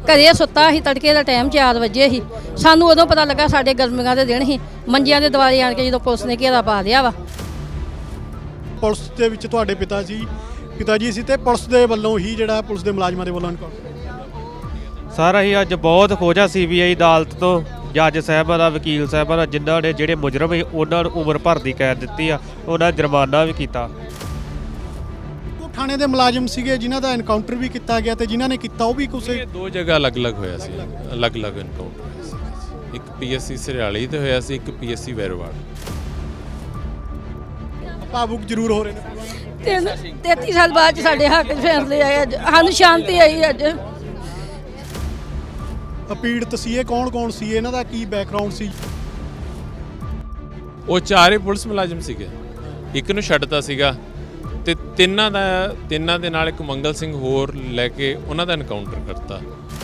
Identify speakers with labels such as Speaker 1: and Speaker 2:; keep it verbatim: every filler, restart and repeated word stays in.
Speaker 1: ਘਰੇ ਸੁੱਤਾ ਸੀ, ਤੜਕੇ ਦਾ ਟਾਈਮ ਚਾਰ ਵਜੇ ਸੀ। ਸਾਨੂੰ ਉਦੋਂ ਪਤਾ ਲੱਗਾ ਸਾਡੇ ਗਰਮੀਆਂ ਦੇ ਦਿਨ ਸੀ, ਮੰਜਿਆਂ ਦੇ ਦੁਆਲੇ ਆਣ ਕੇ ਜਦੋਂ ਪੁਲਿਸ ਨੇ ਘੇਰਾ ਪਾ ਲਿਆ ਵਾ।
Speaker 2: ਪੁਲਿਸ ਦੇ ਵਿੱਚ ਤੁਹਾਡੇ ਪਿਤਾ ਜੀ ਪਿਤਾ ਜੀ ਸੀ ਤੇ ਪੁਲਿਸ ਦੇ ਵੱਲੋਂ ਹੀ ਜਿਹੜਾ ਪੁਲਿਸ ਦੇ ਮੁਲਾਜ਼ਮਾਂ ਦੇ ਵੱਲੋਂ ਇਨਕਾਊਂਟਰ
Speaker 3: ਸਰ ਅਸੀਂ ਅੱਜ ਬਹੁਤ ਖੋਜਾ ਸੀ ਬੀ ਆਈ ਅਦਾਲਤ ਤੋਂ ਜੱਜ ਸਾਹਿਬਾਂ ਦਾ, ਵਕੀਲ ਸਾਹਿਬਾਂ ਦਾ, ਜਿਨ੍ਹਾਂ ਨੇ ਜਿਹੜੇ ਮੁਜਰਮ ਸੀ ਉਹਨਾਂ ਨੂੰ ਉਮਰ ਭਰ ਦੀ ਕੈਦ ਦਿੱਤੀ ਆ, ਉਹਨਾਂ ਜੁਰਮਾਨਾ ਵੀ ਕੀਤਾ।
Speaker 2: ਉਹ ਥਾਣੇ ਦੇ ਮੁਲਾਜ਼ਮ ਸੀਗੇ ਜਿਨ੍ਹਾਂ ਦਾ ਐਨਕਾਊਂਟਰ ਵੀ ਕੀਤਾ ਗਿਆ ਤੇ ਜਿਨ੍ਹਾਂ ਨੇ ਕੀਤਾ ਉਹ ਵੀ ਕਿਸੇ
Speaker 4: ਦੋ ਜਗ੍ਹਾ ਅਲੱਗ-ਅਲੱਗ ਹੋਇਆ ਸੀ, ਅਲੱਗ-ਅਲੱਗ ਐਨਕਾਊਂਟਰ ਹੋਇਆ ਸੀ। ਇੱਕ ਪੀਐਸਸੀ ਸਰਿਆਲੀ ਤੇ ਹੋਇਆ ਸੀ, ਇੱਕ ਪੀਐਸਸੀ ਵੈਰੋਵਾਲ।
Speaker 2: ਭਾਵੁਕ ਜ਼ਰੂਰ ਹੋ ਰਹੇ ਨੇ।
Speaker 1: ਤਿੰਨ ਤੇਤੀ ਸਾਲ ਬਾਅਦ 'ਚ ਸਾਡੇ ਹੱਕ 'ਚ ਫੈਸਲੇ ਆਏ, ਅੱਜ ਸਾਨੂੰ ਸ਼ਾਂਤੀ ਆਈ। ਅੱਜ
Speaker 2: ਪੀੜਤ ਸੀ ਇਹ ਕੌਣ ਕੌਣ ਸੀ, ਇਹਨਾਂ ਦਾ ਕੀ ਬੈਕਗ੍ਰਾਉਂਡ ਸੀ?
Speaker 4: ਉਹ ਚਾਰੇ ਪੁਲਿਸ ਮੁਲਾਜ਼ਮ ਸੀਗੇ, ਇੱਕ ਨੂੰ ਛੱਡਤਾ ਸੀਗਾ ਤੇ ਤਿੰਨਾਂ ਦਾ ਤਿੰਨਾਂ ਦੇ ਨਾਲ ਇੱਕ ਮੰਗਲ ਸਿੰਘ ਹੋਰ ਲੈ ਕੇ ਉਹਨਾਂ ਦਾ ਐਨਕਾਊਂਟਰ ਕਰਤਾ।